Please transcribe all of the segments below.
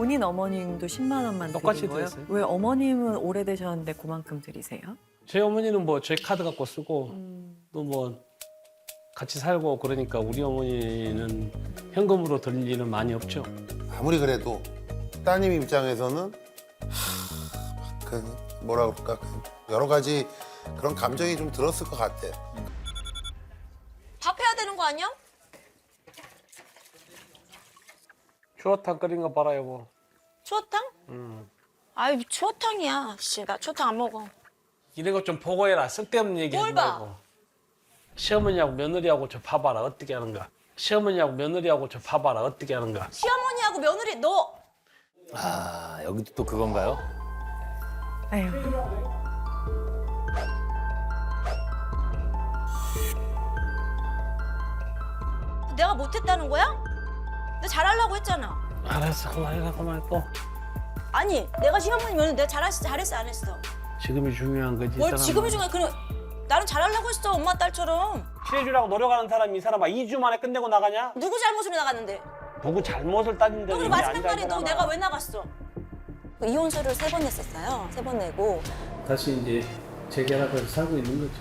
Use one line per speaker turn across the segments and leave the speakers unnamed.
본인 어머님도 10만 원만
똑같이
드린 거예요?
드렸어요.
왜 어머님은 오래되셨는데 그만큼 드리세요?
제 어머니는 뭐 제 카드 갖고 쓰고 또 뭐 같이 살고 그러니까 우리 어머니는 현금으로 드릴 일은 많이 없죠.
아무리 그래도 따님 입장에서는 뭐라 그럴까 여러 가지 그런 감정이 좀 들었을 것 같아.
밥 해야 되는 거 아니야?
추어탕 끓인 거 봐라 여보.
추어탕? 아이 추어탕이야. 씨, 나 추어탕 안 먹어.
이런 거 좀 보고해라. 쓸데없는 얘기 하지
뭘 봐?
말고. 시어머니하고 며느리하고 저 봐봐라 어떻게 하는가. 시어머니하고 며느리하고 저 봐봐라 어떻게 하는가.
시어머니하고 며느리 너
아, 여기도 또 그건가요?
아유.
내가 못했다는 거야? 내가 잘하려고 했잖아.
알았어 그만해라 그만했고.
아니 내가 시어머니 며느리 내가 잘했어 안 했어?
지금이 중요한 거지.
뭘
이 사람은.
지금이 중요해. 그럼 나는 잘하려고 했어 엄마 딸처럼.
친해주려고 노력하는 사람이 이 사람아 2주 만에 끝내고 나가냐?
누구 잘못으로 나갔는데?
누구 잘못을 따진다는
그리고
얘기
마지막
아니잖아.
날에 너 내가 왜 나갔어? 이혼서를 3번 냈었어요. 3번 내고
다시 이제 재결합해서 살고 있는 거지.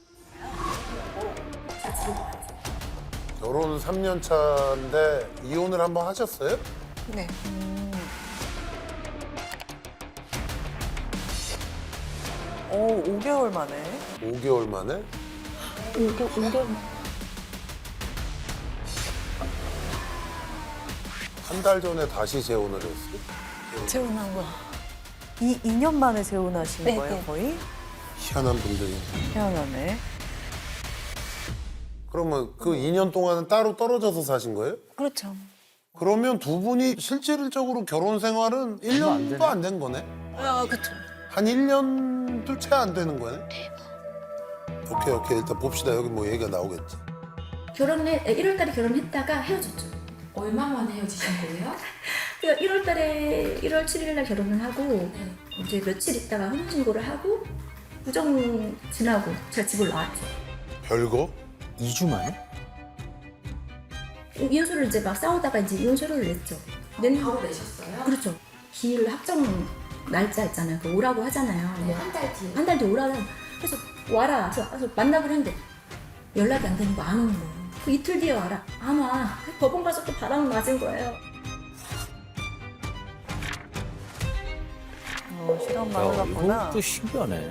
결혼 3년 차인데 이혼을 한번 하셨어요?
네.
5개월 만에.
5개월 만에?
5개월.
한 달 전에 다시 재혼을 했어요?
재혼한 거야.
2년 만에 재혼하신
네,
거예요,
네.
거의?
희한한 분들이.
태어나네.
그러면 그 2년 동안은 따로 떨어져서 사신 거예요?
그렇죠.
그러면 두 분이 실질적으로 결혼 생활은 1년도 안 된 거네?
아, 그렇죠.
한 1년도 채 안 되는 거네? 오케이. 일단 봅시다. 여기 뭐 얘기가 나오겠지.
1월 달에 결혼했다가 헤어졌죠.
얼마 만에 헤어지신 거예요?
그러니까 1월 달에 1월 7일 날 결혼을 하고 이제 며칠 있다가 혼인신고를 하고 부정 지나고 제가 집을 나왔죠.
별거?
2주 만에?
이혼서를 이제 막 싸우다가 이제 이혼서를 냈죠. 낸
바로 내셨어요?
그렇죠. 기일 확정 날짜 있잖아요. 그 오라고 하잖아요.
네, 한 달 뒤에.
한 달 뒤에 오라고 그래서 와라. 그래서 만나기로 했는데 연락이 안 되는 거 안 오는 거예요. 그 이틀 뒤에 와라. 안 와. 법원 가서 또 바람 맞은 거예요.
시간
야,
많으셨구나.
이거 또 신기하네.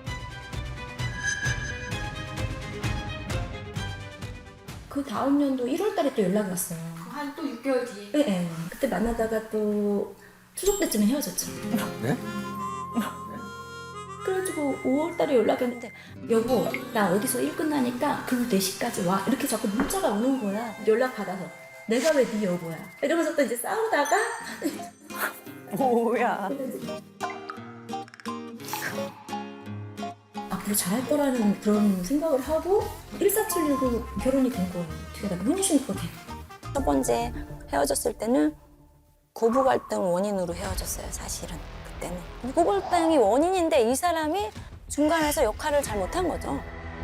그 다음 연도 1월 달에 또 연락이 왔어요.
한 또 6개월 뒤에.
네, 네. 그때 만나다가 또 추석 때쯤에 헤어졌죠.
네?
그래가지고 5월 달에 연락이 왔는데 여보 나 어디서 일 끝나니까 그 4시까지 와 이렇게 자꾸 문자가 오는 거야. 연락 받아서 내가 왜 네 여보야 이러면서 또 이제 싸우다가
뭐야.
앞으로 잘할 거라는 그런 생각을 하고 1476으로 결혼이 된 거예요. 뒤에다 혼인신고가 돼.
첫 번째 헤어졌을 때는 고부 갈등 원인으로 헤어졌어요, 사실은. 그때는. 고부 갈등이 원인인데 이 사람이 중간에서 역할을 잘 못한 거죠.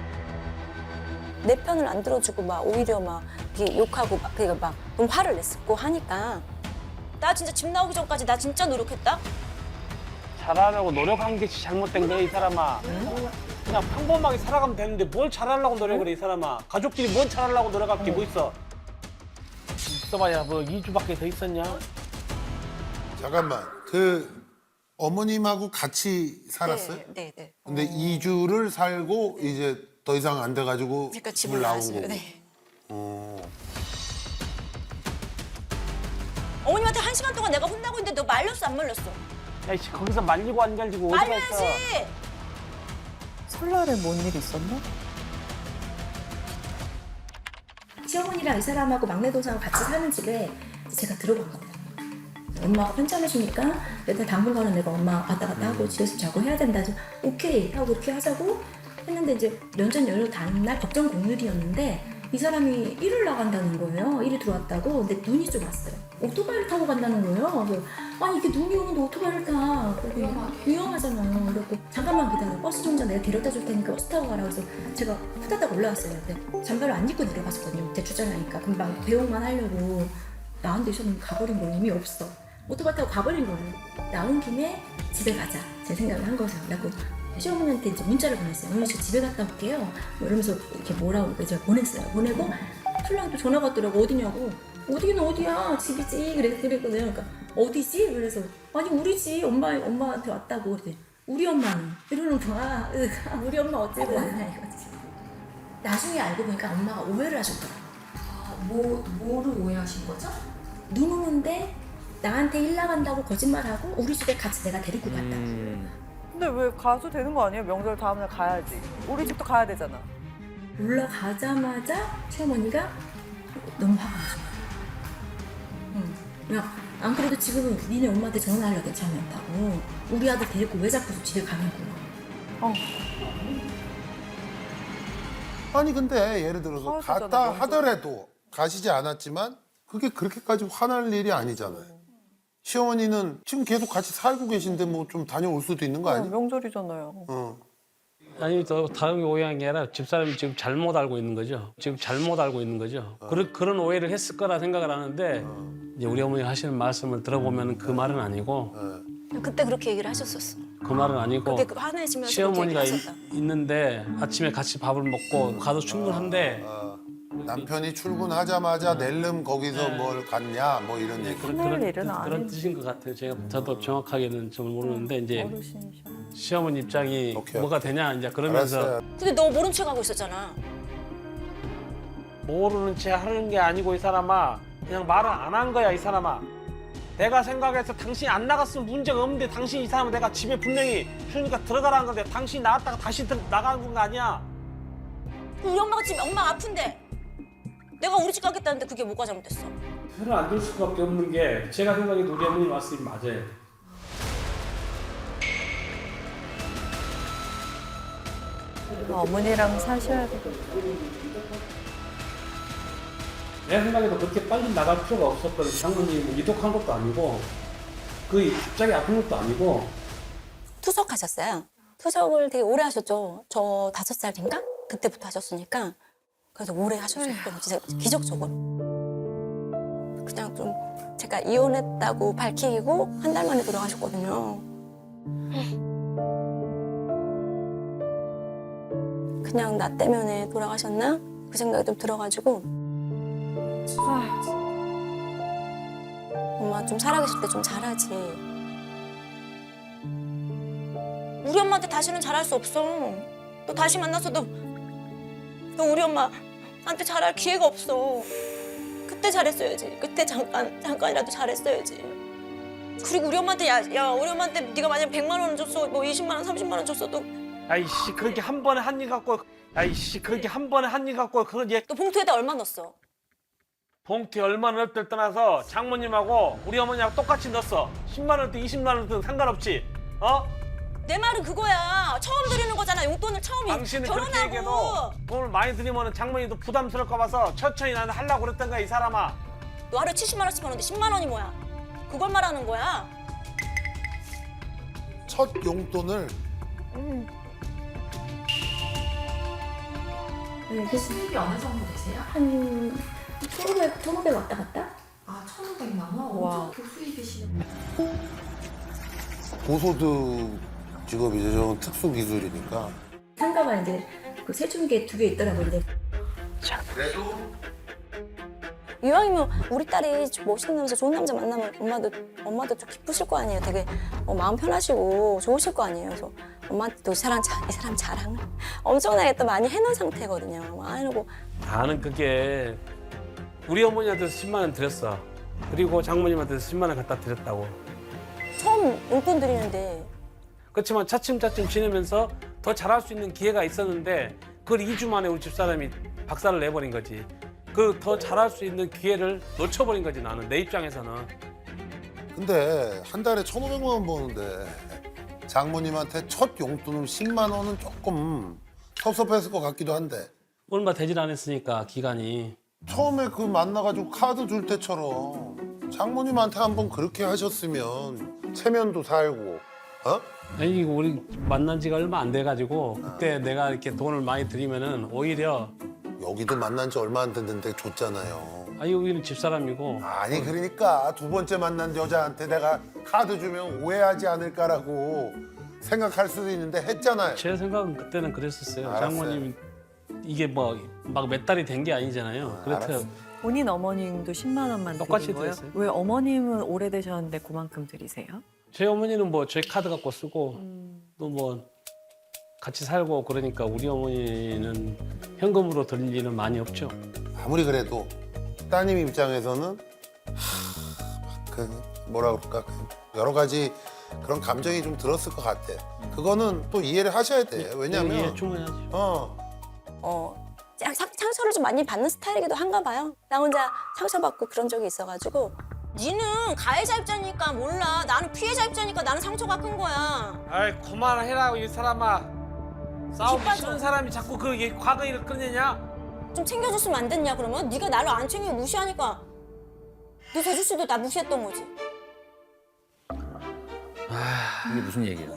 내 편을 안 들어주고 막 오히려 막 이렇게 욕하고 막 그러니까 막 좀 화를 냈었고 하니까 나 진짜 집 나오기 전까지 나 진짜 노력했다.
잘하려고 노력한 게 잘못된 거야 이 사람아. 그냥 평범하게 살아가면 되는데 뭘 잘하려고 노력을 해 이 사람아. 가족끼리 뭘 잘하려고 노력할 게 뭐 있어. 있어봐야 뭐 2주밖에 더 있었냐?
잠깐만. 그 어머님하고 같이 살았어요?
네, 네.
근데 2주를 살고 이제 더 이상 안 돼가지고
그러니까
집을
집을
나온
나왔어요.
거고.
네.
어.
어머님한테 1시간 동안 내가 혼나고 있는데 너 말렸어 안 말렸어?
야, 씨, 거기서 말리고 안 갈리고 어디가 있어?
말려야지.
설날에 뭔 일 있었나?
시어머니랑 이 사람하고 막내 동생하고 같이 사는 집에 제가 들어간 거예요. 엄마가 편찮으시니까 일단 당분간은 내가 엄마 왔다 갔다 하고 집에서 자고 해야 된다. 그래서 오케이 하고 그렇게 하자고 했는데 이제 면전 연휴 다음날 법정 공휴일이었는데 이 사람이 일을 나간다는 거예요. 일이 들어왔다고. 근데 눈이 좀 왔어요. 오토바이를 타고 간다는 거예요. 그래서 아니 이게 눈이 오는데 오토바이를 타. 위험하잖아요. 그래서 잠깐만 기다려. 버스 정류장 내가 데려다 줄 테니까 버스 타고 가라. 그래서 제가 후다닥 올라왔어요. 근데 잠바를 안 입고 내려갔었거든요. 대출장하니까 금방 배웅만 하려고 나한테 있었는데 가버린 거 의미 없어. 오토바이 타고 가버린 거예요. 나온 김에 집에 가자. 제 생각을 한 거죠. 그래갖고 시어머니한테 이제 문자를 보냈어요. 어머니 저 집에 갔다 올게요. 뭐 이러면서 이렇게 뭐라고 제가 보냈어요. 보내고 신랑이 또 전화가 왔더라고. 어디냐고. 어디는 어디야? 집이지. 그랬거든요. 그러니까 어디지? 그래서 아니 우리 집 엄마한테 왔다고. 그랬더니 우리 엄마는 이러는 거야. 우리 엄마 어째고 왔냐 이거지. 나중에 알고 보니까 엄마가 오해를 하셨더라고.
뭐를 오해하신 거죠?
눈 오는데 나한테 일 나간다고 거짓말하고 우리 집에 같이 내가 데리고 갔다.
근데 왜 가도 되는 거 아니에요? 명절 다음날 가야지. 우리 집도 가야 되잖아.
올라가자마자 시어머니가 너무 화가 나서. 야, 안 그래도 지금은 니네 엄마한테 전화하려고 괜찮았다고. 우리 아들 데리고 왜 자꾸 집에 가냐고.
아니 근데 예를 들어서
가야
갔다
되잖아,
하더라도 가시지 않았지만 그게 그렇게까지 화날 일이 아니잖아요. 시어머니는 지금 계속 같이 살고 계신데 뭐 좀 다녀올 수도 있는 거 아니야?
명절이잖아요.
아니 더 다른 오해한 게 아니라 집사람이 지금 잘못 알고 있는 거죠. 지금 잘못 알고 있는 거죠. 그런 오해를 했을 거라 생각을 하는데 이제 우리 어머니 하시는 말씀을 들어보면 그 말은 아니고
그때 그렇게 얘기를 하셨었어.
그 말은 아니고
그렇게 화내시면서
시어머니가
그렇게 얘기하셨다.
있는데 아침에 같이 밥을 먹고 가도 충분한데
남편이 출근하자마자 낼름 거기서 뭘 갔냐 뭐 이런 얘기.
화낼 일은
그런
아니지.
뜻인 것 같아요. 저도 정확하게는 잘 모르는데 이제
어르신이셔.
시어머니 입장이
오케이.
뭐가 되냐 이제 그러면서
알았어요.
근데 너 모른 척하고 있었잖아.
모르는 채 하는 게 아니고 이 사람아 그냥 말을 안 한 거야 이 사람아. 내가 생각해서 당신이 안 나갔으면 문제가 없는데 당신 이 사람은 내가 집에 분명히 휴니까 들어가라는 건데 당신이 나갔다가 다시 나가는 거 아니야.
우리 엄마가 지금 엄마 아픈데 내가 우리 집 가겠다는데 그게 뭐가 잘못됐어?
편을 안 들 수밖에 없는 게 제가 생각해도 우리 어머니 말씀이 맞아요.
어머니랑 사셔야 돼.
내 생각에도 그렇게 빨리 나갈 필요가 없었거든. 장모님이 뭐 이독한 것도 아니고 그 갑자기 아픈 것도 아니고
투석하셨어요. 투석을 되게 오래 하셨죠. 저 5살인가? 그때부터 하셨으니까. 그래서 오래 하셨어요. 진짜 기적적으로. 그냥 좀 제가 이혼했다고 밝히고 한 달 만에 돌아가셨거든요. 그냥 나 때문에 돌아가셨나? 그 생각이 좀 들어가지고 엄마 좀 살아계실 때 좀 잘하지. 우리 엄마한테 다시는 잘할 수 없어. 또 다시 만나서도 너 우리 엄마한테 잘할 기회가 없어. 그때 잘했어야지. 그때 잠깐이라도 잘했어야지. 그리고 우리 엄마한테 야 우리 엄마한테 네가 만약 100만 원 줬어, 뭐 20만 원, 30만 원 줬어도
아이씨 그렇게 한 번에 한 일 갖고 아이씨 그렇게 한 번에 한 일 갖고 그런 얘
너 봉투에다 얼마 넣었어?
봉투에 얼마 넣었을 떠나서 장모님하고 우리 어머니하고 똑같이 넣었어. 10만 원든 20만 원든 상관없지. 어?
내 말은 그거야. 처음 드리는 거잖아. 용돈을 처음
당신은 그렇게 얘기해도
결혼하고.
돈을 많이 드리면 장모님도 부담스러울까 봐서 천천히 나는 하려고 그랬던 거야 이 사람아.
너 하루에 70만 원씩 버는데 10만 원이 뭐야? 그걸 말하는 거야.
첫 용돈을
수입이 어느 정도 되세요?
한 1,500 왔다 갔다?
아, 1,500만 원?
와.
엄청 고수입이시네.
고소득 직업이죠. 저건 특수 기술이니까.
상가가 이제 그 세중계 2개 있더라고요. 근데
이왕이면 우리 딸이 멋있는 좋은 남자 만나면 엄마도 좀 기쁘실 거 아니에요. 되게 마음 편하시고 좋으실 거 아니에요. 그래서 엄마한테도 이 사람 자랑을 엄청나게 또 많이 해놓은 상태거든요. 많이 해놓고
나는 그게 우리 어머니한테서 10만 원 드렸어. 그리고 장모님한테서 10만 원 갖다 드렸다고.
처음 용돈 드리는데
그렇지만 차츰차츰 지내면서 더 잘할 수 있는 기회가 있었는데 그걸 2주 만에 우리 집사람이 박살을 내버린 거지. 그 더 잘할 수 있는 기회를 놓쳐버린 거지 나는. 내 입장에서는.
근데 한 달에 1,500만 원 버는데 장모님한테 첫 용돈을 10만 원은 조금 섭섭했을 것 같기도 한데
얼마 되질 않았으니까 기간이.
처음에 그 만나가지고 카드 줄 때처럼 장모님한테 한번 그렇게 하셨으면 체면도 살고 어?
아니 우리 만난 지가 얼마 안 돼가지고 그때 내가 이렇게 돈을 많이 드리면은 오히려
여기도 만난 지 얼마 안 됐는데 줬잖아요.
아 여기는 집사람이고
아니 그러니까 두 번째 만난 여자한테 내가 카드 주면 오해하지 않을까라고 생각할 수도 있는데 했잖아요.
제 생각은 그때는 그랬었어요.
알았어요.
장모님 이게 뭐 막 몇 달이 된 게 아니잖아요. 그렇대요.
알았어.
본인 어머님도 10만 원만
똑같이
드린 거예요?
드렸어요.
왜 어머님은 오래되셨는데 그만큼 드리세요?
제 어머니는 뭐 제 카드 갖고 쓰고 또 뭐 같이 살고 그러니까 우리 어머니는 현금으로 드릴 일은 많이 없죠.
아무리 그래도 따님 입장에서는 그 뭐라 그럴까 여러 가지 그런 감정이 좀 들었을 것 같아. 그거는 또 이해를 하셔야 돼. 왜냐면
이해 충분히 하죠.
상처를 좀 많이 받는 스타일이기도 한가 봐요. 나 혼자 상처받고 그런 적이 있어가지고 니는 가해자 입장이니까 몰라. 나는 피해자 입장이니까 나는 상처가 큰 거야.
아이 그만해라 이 사람아. 싸우기
기빠져.
싫은 사람이 자꾸 그 과거 일을 꺼내냐?
좀 챙겨줬으면 안 됐냐 그러면? 네가 나를 안 챙기고 무시하니까 네 재주 씨도 나 무시했던 거지.
이게 무슨 얘기야?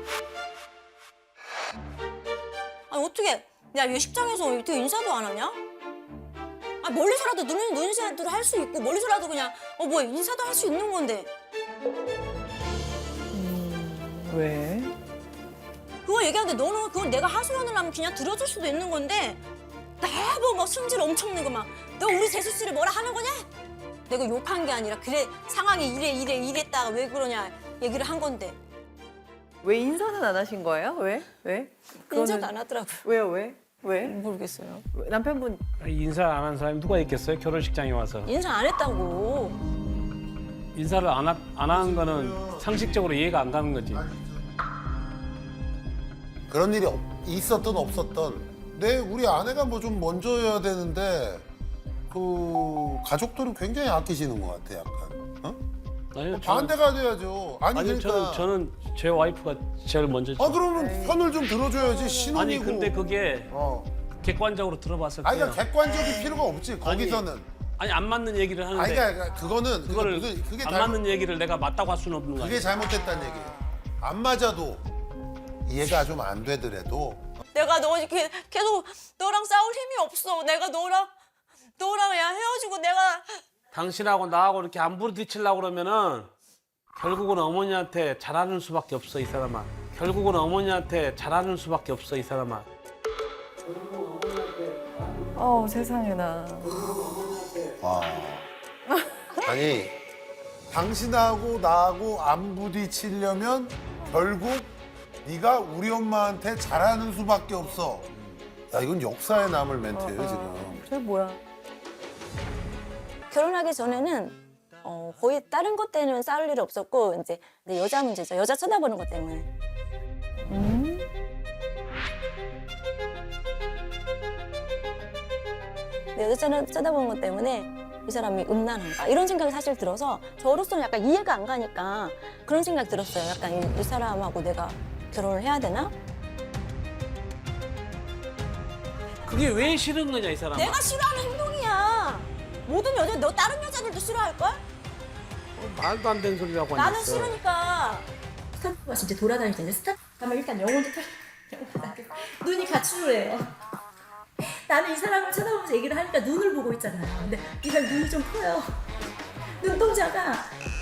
아니 어떻게 야 예식장에서 어떻게 인사도 안 하냐? 아 멀리서라도 눈 인사도 할 수 있고 멀리서라도 그냥 뭐 인사도 할 수 있는 건데
왜?
그거 얘기하는데 너는 그건 내가 하소연을 하면 그냥 들어줄 수도 있는 건데 나뭐 막 승질 엄청 내고 막 너 우리 재수 씨를 뭐라 하는 거냐? 내가 욕한 게 아니라 그래 상황이 이랬다가 왜 그러냐 얘기를 한 건데
왜 인사는 안 하신 거예요? 왜? 왜?
인사도 안 하더라고요.
왜요? 왜? 왜?
모르겠어요.
남편분
인사 안 한 사람이 누가 있겠어요? 결혼식장에 와서.
인사 안 했다고.
인사를 안 한 거는 상식적으로 이해가 안 가는 거지.
그런 일이 있었든 없었든 우리 아내가 뭐 좀 먼저 해야 되는데 그 가족들은 굉장히 아끼시는 것 같아 약간. 어?
아니요,
반대가 돼야죠. 아니 그러니까.
저는 제 와이프가 제일 먼저죠.
아 그러면 편을 좀 들어줘야지 신혼이고.
아니 근데 그게
어.
객관적으로 들어봤을
아니
때요.
그러니까 객관적인 필요가 없지 거기서는.
아니 안 맞는 얘기를 하는데
아니 그러니까 그거는
그거를
그게
안 맞는 얘기를 내가 맞다고 할 수는 없는 거야.
그게 잘못됐다는 얘기예요. 안 맞아도 이해가 좀 안 되더라도
내가 너 이렇게 계속 너랑 싸울 힘이 없어. 내가 너랑 야 헤어지고 내가
당신하고 나하고 이렇게 안 부딪히려고 그러면은 결국은 어머니한테 잘하는 수밖에 없어 이 사람아. 결국은 어머니한테 잘하는 수밖에 없어 이 사람아.
세상에나.
아니 당신하고 나하고 안 부딪히려면 결국 네가 우리 엄마한테 잘하는 수밖에 없어. 야 이건 역사에 남을 멘트예요 지금.
저 뭐야?
결혼하기 전에는 거의 다른 것 때문에 싸울 일이 없었고 이제 근데 여자 문제죠. 여자 쳐다보는 것 때문에. 근데 여자 쳐다보는 것 때문에 이 사람이 음란한가 이런 생각이 사실 들어서 저로서는 약간 이해가 안 가니까 그런 생각 들었어요. 약간 이 사람하고 내가 결혼을 해야 되나?
그게 왜 싫은 거냐 이 사람아.
내가 싫어하는 행동이야. 모든 너 다른 여자들도 싫어할걸?
말도 안 되는 소리라고
나는
앉았어.
싫으니까.
스타프가 진짜 돌아다닐 텐데 스타프 가면 일단 영혼부터 눈이 가출해요. 나는 이 사람을 쳐다보면서 얘기를 하니까 눈을 보고 있잖아요. 근데 네가 눈이 좀 커요. 눈동자가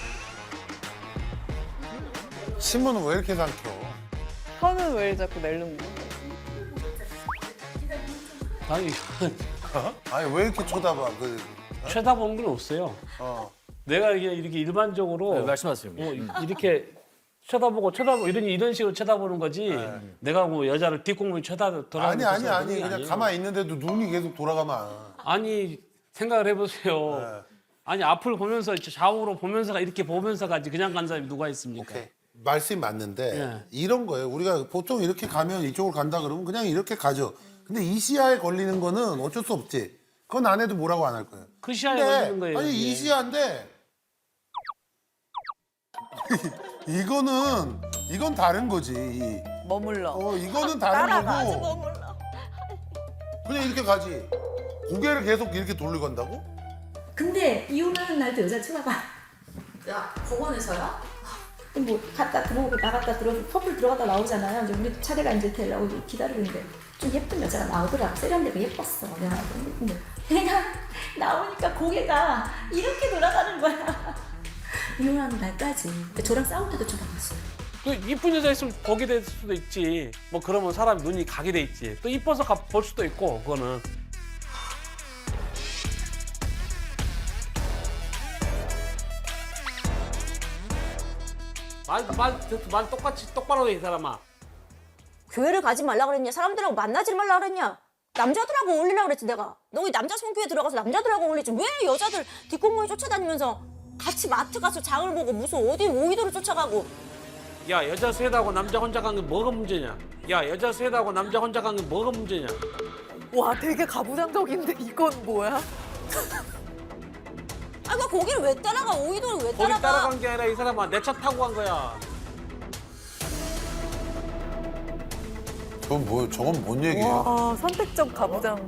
신문은 왜 이렇게 삼켜?
혀는 왜 자꾸 낼는 거야?
아니
아니 왜 이렇게 쳐다봐?
쳐다보는 건 없어요. 내가 이렇게 일반적으로
네, 말씀하세요.
이렇게 쳐다보고 이런 식으로 쳐다보는 거지. 내가 뭐 여자를 뒷공문에
아니 그냥 가만히 있는데도 눈이 계속 돌아가면
아니 생각을 해보세요. 아니 앞을 보면서 좌우로 보면서가 이렇게 보면서 가지 그냥 간 사람이 누가 있습니까?
오케이. 말씀이 맞는데
예.
이런 거예요. 우리가 보통 이렇게 가면 이쪽으로 간다 그러면 그냥 이렇게 가죠. 근데 이 시야에 걸리는 거는 어쩔 수 없지. 그건 안 해도 뭐라고 안 할 거예요.
그 시야에
근데
걸리는 거예요.
아니 이
이게.
시야인데 이건 다른 거지.
머물러.
이거는 다른
따라가지
거고
뭐 몰라.
그냥 이렇게 가지. 고개를 계속 이렇게 돌리고 간다고?
근데 이혼하는 날도 여자 쳐다봐.
야, 법원에서요?
뭐 갔다 들어오고 나갔다 들어오고 커플 들어갔다 나오잖아요. 이제 우리 차례가 이제 되려고 기다리고 있는데 좀 예쁜 여자가 나오더라고. 세련되고 예뻤어. 내가 근데 걔가 나오니까 고개가 이렇게 돌아가는 거야. 이혼하는 날까지. 저랑 싸울 때도 쳐다봤어요.
그 이쁜 여자 있으면 보게 될 수도 있지. 뭐 그러면 사람 눈이 가게 돼 있지. 또 이뻐서 볼 수도 있고 그거는. 말 똑같이 똑바로 해 이 사람아.
교회를 가지 말라 그랬냐? 사람들하고 만나지 말라 그랬냐? 남자들하고 어울리라 그랬지 내가. 너희 남자 성교회 들어가서 남자들하고 어울리지 왜 여자들 뒷공무니 쫓아다니면서 같이 마트 가서 장을 보고 무슨 어디 오이도를 쫓아가고.
야 여자 셋하고 남자 혼자 간 게 뭐가 문제냐? 야 여자 셋하고 남자 혼자 간 게 뭐가 문제냐?
와 되게 가부장적인데 이건 뭐야?
아, 그 거기를 왜 따라가? 오이도를 왜
거기
따라가?
따라간 게 아니라 이 사람아 내 차 타고 간 거야.
저건 뭔 얘기예요?
와 선택적 가부장.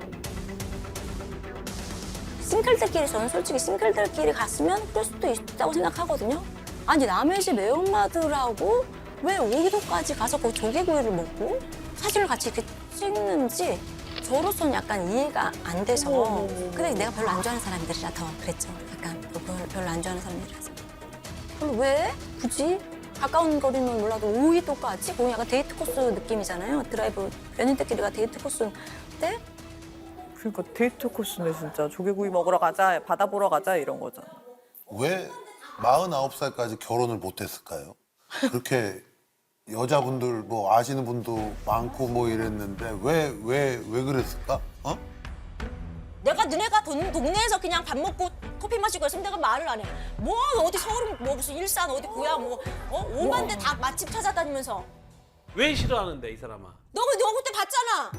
싱글들끼리 저는 솔직히 싱글들끼리 갔으면 그럴 수도 있다고 생각하거든요. 아니 남의 집 애엄마들하고 왜 오이도까지 가서 그 조개구이를 먹고 사진을 같이 이렇게 찍는지 저로서는 약간 이해가 안 돼서. 근데 내가 별로 안 좋아하는 사람들이라 더 그랬죠. 약간 별로 안 좋아하는 사람들이라서. 그럼 왜 굳이 가까운 거리는 몰라도 오이도까지? 거기 약간 데이트 코스 느낌이잖아요. 드라이브 연인들끼리가 데이트 코스인데
그러니까 데이트 코스네 진짜. 조개구이 먹으러 가자, 바다 보러 가자 이런 거잖아.
왜 49살까지 결혼을 못했을까요? 그렇게 여자분들 뭐 아시는 분도 많고 뭐 이랬는데 왜 그랬을까? 어?
내가 너네가 동네에서 그냥 밥 먹고 커피 마시고 했으면 내가 말을 안 해. 뭐 어디 서울 뭐 무슨 일산 어디 고향 뭐 오만 데 다 맛집 찾아다니면서.
왜 싫어하는데 이 사람아?
너 그때 봤잖아.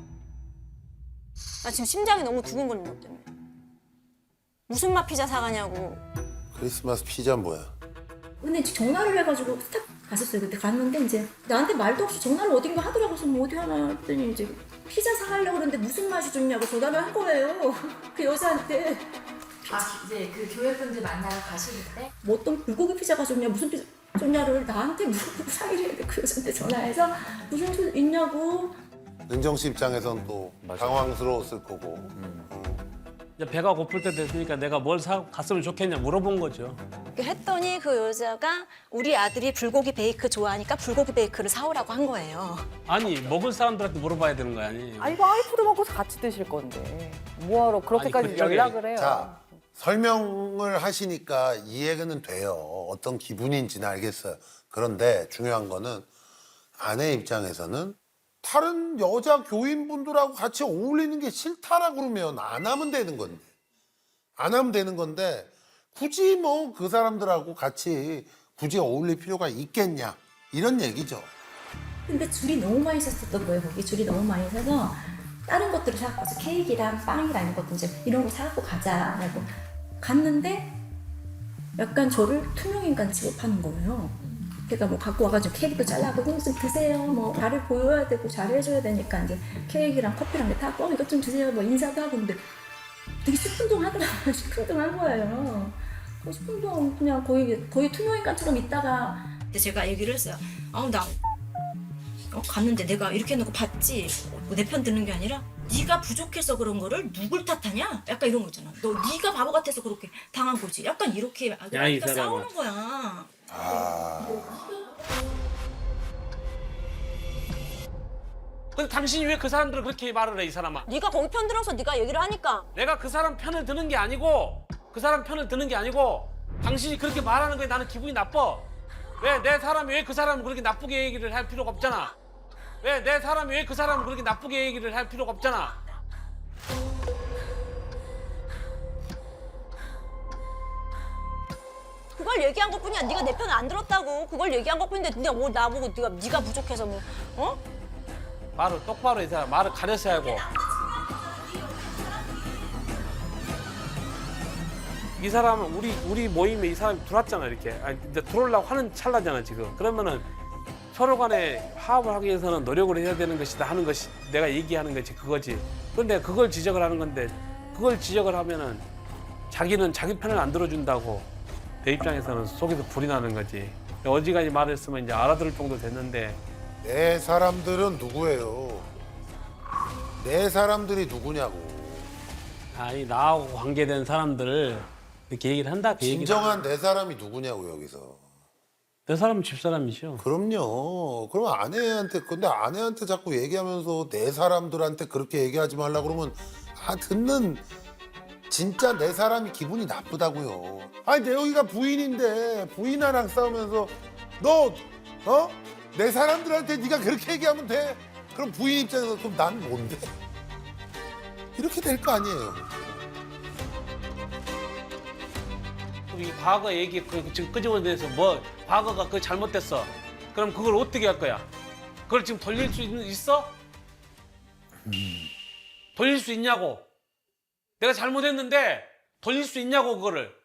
나 지금 심장이 너무 두근거리는 것 때문에. 무슨 맛 피자 사가냐고.
크리스마스 피자 뭐야?
근데 이제 전화를 해가지고 스탑 갔었어요. 그때 갔는데 이제 나한테 말도 없이 전화를 어딘가 하더라고요. 그래서 뭐 어디 하나 했더니 이제 피자 사가려고 그러는데 무슨 맛이 좋냐고 전화를 한 거예요. 그 여자한테.
아 이제 그 교회 분들 만나러 가실 때
뭐 어떤 불고기 피자가 좋냐 무슨 피자 좋냐를 나한테 물어보고 상의를 해야 그 여자한테 전화해서 무슨 소 있냐고.
은정 씨 입장에선 또 당황스러웠을 거고.
이제 배가 고플 때 됐으니까 내가 뭘 갔으면 좋겠냐 물어본 거죠.
했더니 그 여자가 우리 아들이 불고기 베이크 좋아하니까 불고기 베이크를 사오라고 한 거예요.
아니 먹을 사람들한테 물어봐야 되는 거 아니에요?
아니 와이프도 먹고 같이 드실 건데 뭐하러 그렇게까지
아니, 그쪽에-
연락을 해요?
자, 설명을 하시니까 이해는 돼요. 어떤 기분인지는 알겠어요. 그런데 중요한 거는 아내 입장에서는 다른 여자 교인분들하고 같이 어울리는 게 싫다라 그러면 안 하면 되는 건데. 안 하면 되는 건데 굳이 뭐 그 사람들하고 같이 굳이 어울릴 필요가 있겠냐. 이런 얘기죠.
근데 줄이 너무 많이 섰었던 거예요. 거기 줄이 너무 많이 서서 다른 것들을 사갖고 와서 케이크랑 빵이랑 이런 것도 이제 이런 거 사갖고 가자라고 갔는데 약간 저를 투명인간 취급하는 거예요. 걔가 뭐 갖고 와가지고 케이크도 잘라고 이거 좀 드세요. 뭐 나를 보여야 되고 잘해줘야 되니까 이제 케이크랑 커피랑 이렇게 타고 이것 좀 드세요. 뭐 인사도 하고 근데 되게 시큰둥하더라고요. 시큰둥한 거예요. 10분 동안 그냥 거의 투명인간처럼 있다가 근데 제가 얘기를 했어요. 나 갔는데 내가 이렇게 해놓고 봤지 내 편 듣는 게 아니라 네가 부족해서 그런 거를 누굴 탓하냐? 약간 이런 거 있잖아. 너 네가 바보 같아서 그렇게 당한 거지. 약간 이렇게
야, 이
그러니까
사람아.
싸우는 거야.
근데 당신이 왜 그 사람들을 그렇게 말을 해 이 사람아?
네가 거기 편 들어서 네가 얘기를 하니까.
내가 그 사람 편을 드는 게 아니고 당신이 그렇게 말하는 거에 나는 기분이 나빠. 왜 내 사람이 왜 그 사람을 그렇게 나쁘게 얘기를 할 필요가 없잖아. 왜 내 사람이 왜 그 사람을 그렇게 나쁘게 얘기를 할 필요가 없잖아.
그걸 얘기한 것뿐이야. 네가 내 편을 안 들었다고. 그걸 얘기한 것뿐인데 네가 뭐 나보고 네가 부족해서 뭐
말을 똑바로 이 사람 말을 가려서 하고. 이 사람은 우리 모임에 이 사람이 들어왔잖아 이렇게. 아니, 이제 들어오려고 하는 찰나잖아 지금. 그러면은 서로 간에 화합을 하기 위해서는 노력을 해야 되는 것이다 하는 것이 내가 얘기하는 것이 그거지. 그런데 그걸 지적을 하는 건데 그걸 지적을 하면은 자기는 자기 편을 안 들어준다고 내 입장에서는 속에서 불이 나는 거지. 어지간히 말했으면 이제 알아들을 정도 됐는데
내 사람들은 누구예요? 내 사람들이 누구냐고.
아니 나하고 관계된 사람들을 이렇게 얘기를 한다 그 얘기를
진정한 내 사람이 누구냐고 여기서.
내 사람은 집사람이죠.
그럼요. 그러면 아내한테 근데 아내한테 자꾸 얘기하면서 내 사람들한테 그렇게 얘기하지 말라 그러면 듣는 진짜 내 사람이 기분이 나쁘다고요. 아니 내 여기가 부인인데 부인이랑 싸우면서 너 내 사람들한테 네가 그렇게 얘기하면 돼. 그럼 부인 입장에서 그럼 난 뭔데? 이렇게 될 거 아니에요.
이 과거 얘기 지금 끄집어내서 뭐 과거가 그 잘못됐어. 그럼 그걸 어떻게 할 거야? 그걸 지금 돌릴 수 있어? 돌릴 수 있냐고? 내가 잘못했는데 돌릴 수 있냐고 그거를?